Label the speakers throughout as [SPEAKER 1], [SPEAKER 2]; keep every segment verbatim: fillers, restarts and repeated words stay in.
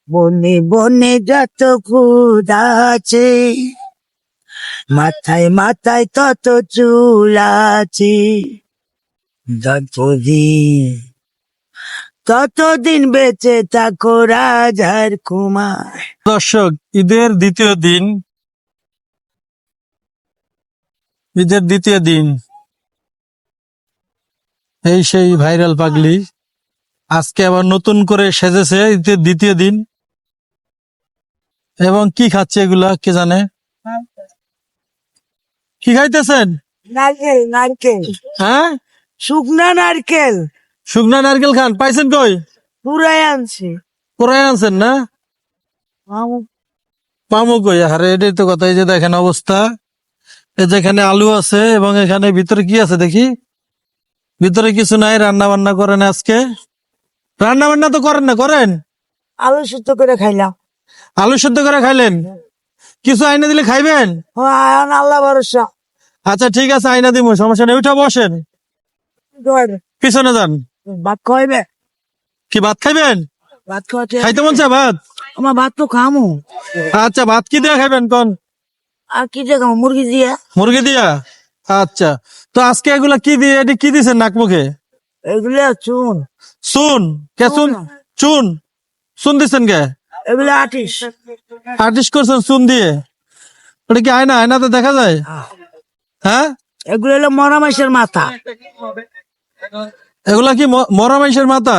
[SPEAKER 1] বনে বনে যত ফুল আছে, মাথায় মাথায় তত চুল আছে, যতদিন ততদিন বেঁচে থাকো রাজার কুমার।
[SPEAKER 2] দর্শক, ঈদের দ্বিতীয় দিন ঈদের দ্বিতীয় দিন এই সেই ভাইরাল পাগলি আজকে আবার নতুন করে সেজেছে ঈদের দ্বিতীয় দিন। এবং কি খাচ্ছে এগুলা কে জানে? কি খাইতেছেন?
[SPEAKER 1] নারকেল নারকেল
[SPEAKER 2] হ্যাঁ,
[SPEAKER 1] শুকনা নারকেল
[SPEAKER 2] শুকনা নারকেল খান। পাইছেন কই?
[SPEAKER 1] পুরাই আনছি।
[SPEAKER 2] কোরাই আনছেন না? পামু কই? আরে এটাই তো কথা। এই যে দেখেন অবস্থা, এই যেখানে আলু আছে এবং এখানে ভিতরে কি আছে দেখি। ভিতরে কিছু নাই, রান্না বান্না করেন আজকে? রান্না বান্না তো করেন না, করেন?
[SPEAKER 1] আলু সুদ্ধ করে খাইলাম।
[SPEAKER 2] আলু সেদ্ধ করে খাইলেন? কিছু আইনা দিলে খাইবেন?
[SPEAKER 1] ও, এখন আল্লাহ ভরসা।
[SPEAKER 2] আচ্ছা ঠিক আছে, আইনা দিব, সমস্যা নেই। উঠা বসেন, পিছনে যান।
[SPEAKER 1] ভাত খাইবে?
[SPEAKER 2] কি ভাত খাইবেন?
[SPEAKER 1] ভাত খাওয়াতে
[SPEAKER 2] খাইতে মন চায় ভাত?
[SPEAKER 1] আমার ভাত তো খামো।
[SPEAKER 2] আচ্ছা, ভাত কি দিয়ে খাইবেন কোন?
[SPEAKER 1] আর কি দিয়ে খামো? মুরগি দিয়ে।
[SPEAKER 2] মুরগি দিয়া? আচ্ছা, তো আজকে এগুলা কি দিয়ে, এটি কি দিছেন নাক মুখে?
[SPEAKER 1] এগুলো চুন।
[SPEAKER 2] চুন? কে চুন? চুন চুন দিচ্ছেন কে?
[SPEAKER 1] এগুলো আটিস।
[SPEAKER 2] আর্টিস্ট করছেন চুন দিয়ে? ওটা কি আয়না? আয়নাতে দেখা যায়? হ্যাঁ,
[SPEAKER 1] এগুলো হলো মরা মাসের মাথা।
[SPEAKER 2] এগুলা কি ম- মরা মাইশের মাথা?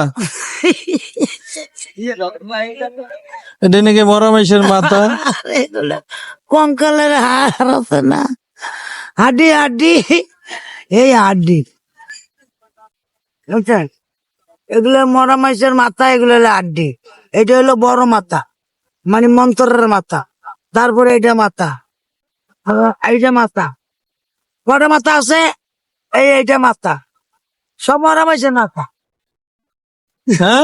[SPEAKER 2] এটা নাকি মরা মাইশের মাথা?
[SPEAKER 1] এগুলো কঙ্কালের হাড় আছে না, হাড্ডি হাড্ডি, এই হাড্ডি বুঝছেন? এগুলো মরা মাসের মাথা, এগুলো হলো হাড্ডি। এটা হলো বড় মাথা, মানে মন্ত্রের মাথা। তারপরে এটা মাথা, আহ, এইটা মাথা। কটা মাথা আছে? এই এইটা মাথা, সব মরা মাসের মাথা,
[SPEAKER 2] হ্যাঁ,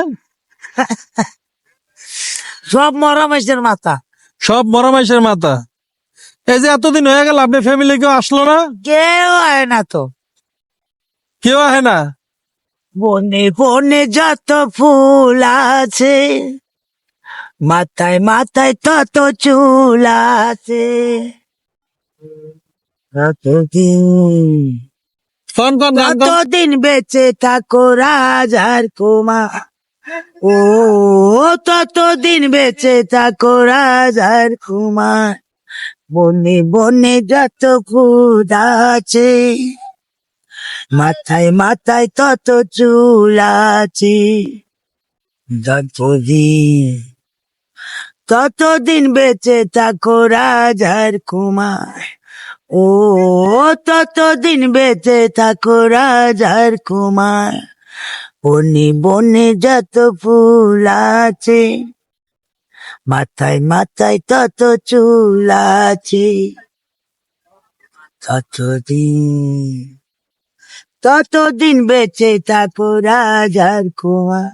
[SPEAKER 1] সব মরা মাসের মাথা।
[SPEAKER 2] সব মরা মাইশের মাথা। এই যে এতদিন হয়ে গেল, আপনি ফ্যামিলি কেউ আসলো না?
[SPEAKER 1] কেউ হয় না তো।
[SPEAKER 2] কেউ আহে না?
[SPEAKER 1] বনে বনে যত ফুল আছে, মাথায় মাথায় তত চুল আছে, ততদিন
[SPEAKER 2] কোন কোন গান কোন?
[SPEAKER 1] ততদিন বেঁচে থাকো রাজার কুমার। ও, ততদিন বেঁচে থাকো রাজার কুমার। বনে বনে যত ফুল আছে, মাথায় মাথায় তত চুল আছে, যতদিন ততদিন বেঁচে থাকো রাজার কুমার। ও, ততদিন বেঁচে থাকো রাজার কুমার। বনে বনে যত ফুল আছে, মাথায় মাথায় তত চুল আছে, ততদিন ততদিন বেঁচে থাকো রাজার কুমার।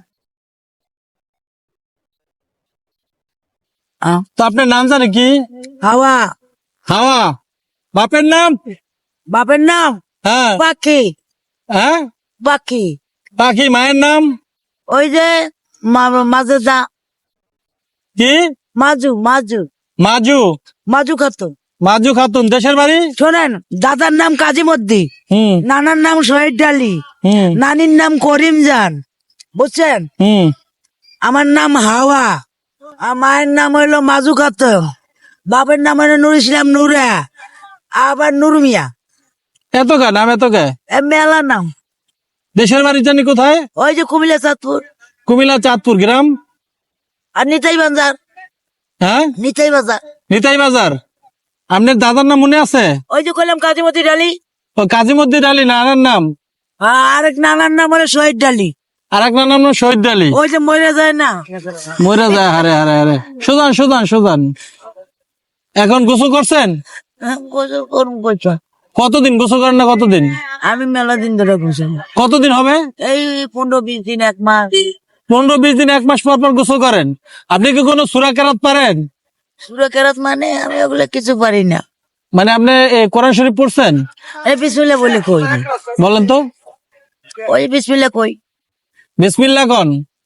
[SPEAKER 1] আহ,
[SPEAKER 2] তো আপনার নাম জানে কি?
[SPEAKER 1] হাওয়া।
[SPEAKER 2] হাওয়া? বাপের নাম?
[SPEAKER 1] বাপের নাম
[SPEAKER 2] হ্যাঁ।
[SPEAKER 1] পাখি।
[SPEAKER 2] হ্যাঁ,
[SPEAKER 1] পাখি।
[SPEAKER 2] পাখি। মায়ের নাম?
[SPEAKER 1] ওই যে মা- মাজু দা,
[SPEAKER 2] কি?
[SPEAKER 1] মাজু মাজু
[SPEAKER 2] মাজু?
[SPEAKER 1] মাজু খাতুন।
[SPEAKER 2] মাজু খাতুন। দেশের বাড়ি?
[SPEAKER 1] শোনেন, দাদার নাম কাজীমদ্দি,
[SPEAKER 2] হুম
[SPEAKER 1] নানার নাম শহীদ আলী,
[SPEAKER 2] হুম
[SPEAKER 1] নানির নাম করিম জান, বুঝছেন?
[SPEAKER 2] হুম
[SPEAKER 1] আমার নাম হাওয়া, আর মায়ের নাম হইলো মাজু খাতুন, বাপের নাম হইলো নুর ইসলাম নুরা, আবার নুর মিয়া।
[SPEAKER 2] এত কা নাম? এত কা?
[SPEAKER 1] এ মেলা নাম।
[SPEAKER 2] দেশের বাড়ি জানি কোথায়?
[SPEAKER 1] ওই যে কুমিল্লা চাঁদপুর
[SPEAKER 2] কুমিল্লা চাঁদপুর গ্রাম।
[SPEAKER 1] আর নিতাই বাজার।
[SPEAKER 2] হ্যাঁ,
[SPEAKER 1] নিতাই বাজার।
[SPEAKER 2] নিতাই বাজার। আপনার দাদার নাম মনে আছে?
[SPEAKER 1] ওই যে কইলাম কাজীমদ্দি আলী।
[SPEAKER 2] ও কাজীমুদ্দিন আলী। নানার নাম?
[SPEAKER 1] আর আরেক নানার নাম হলো শহীদ আলী।
[SPEAKER 2] আর এক নানার নাম শহীদ আলী।
[SPEAKER 1] ওই যে মরে যায় না।
[SPEAKER 2] মরে যায়। হারে হারে হারে। সুজান সুজান সুজান। এখন গোসল করছেন?
[SPEAKER 1] হ্যাঁ, গোসল করুন কইছো।
[SPEAKER 2] কতদিন গোসল করেন না? কতদিন?
[SPEAKER 1] আমি মেলা দিন ধরে গোসল,
[SPEAKER 2] কতদিন হবে?
[SPEAKER 1] এই পনেরো বিশ দিন এক মাস।
[SPEAKER 2] পনেরো বিশ দিন এক মাস পর পর গোসল করেন? আপনি কি কোনো সূরা কেরাত পারেন?
[SPEAKER 1] সুরা কেরাত মানে আমি ওগুলো কিছু পারি না।
[SPEAKER 2] মানে আপনি এ, কোরআন শরীফ পড়ছেন?
[SPEAKER 1] এই বিসমিল্লাহ বলে কই না।
[SPEAKER 2] বলেন তো।
[SPEAKER 1] ওই বিসমিল্লাহ কই।
[SPEAKER 2] বিসমিল্লাহ কোন?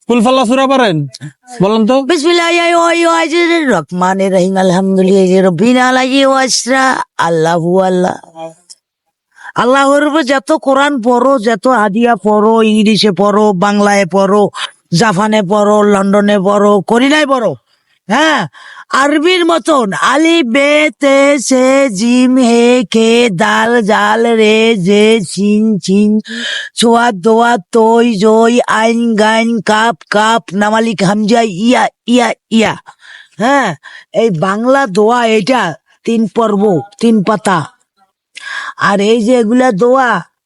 [SPEAKER 2] ফুলফাল্লা সুরা পারেন বলেন তো?
[SPEAKER 1] বিসমিল্লাহির রহমানির রহিম আলহামদুলিল্লাহি রাব্বিল আলামিন ওয়াসরা আল্লাহু আল্লাহ। আল্লাহর উপর যত কোরআন পড়ো, যত হাদিয়া পড়ো, ইংলিশে পড়ো, বাংলায় পড়ো, জাপানে পড়ো, লন্ডনে পড়ো, কোরিয়ায় পড়ো, হ্যাঁ, আরবির মতন আলি বে তে সে জিম হে কে দাল জাল রে জে সিন চিন সোয়াদ দোয়া তৈ জই আইন গাইন কাপ কাপ নামালিক হামজা ইয়া ইয়া ইয়া, হ্যাঁ, এই বাংলা দোয়া এটা তিন পর্ব, তিন পাতা। আর এই যে এগুলা দোয়া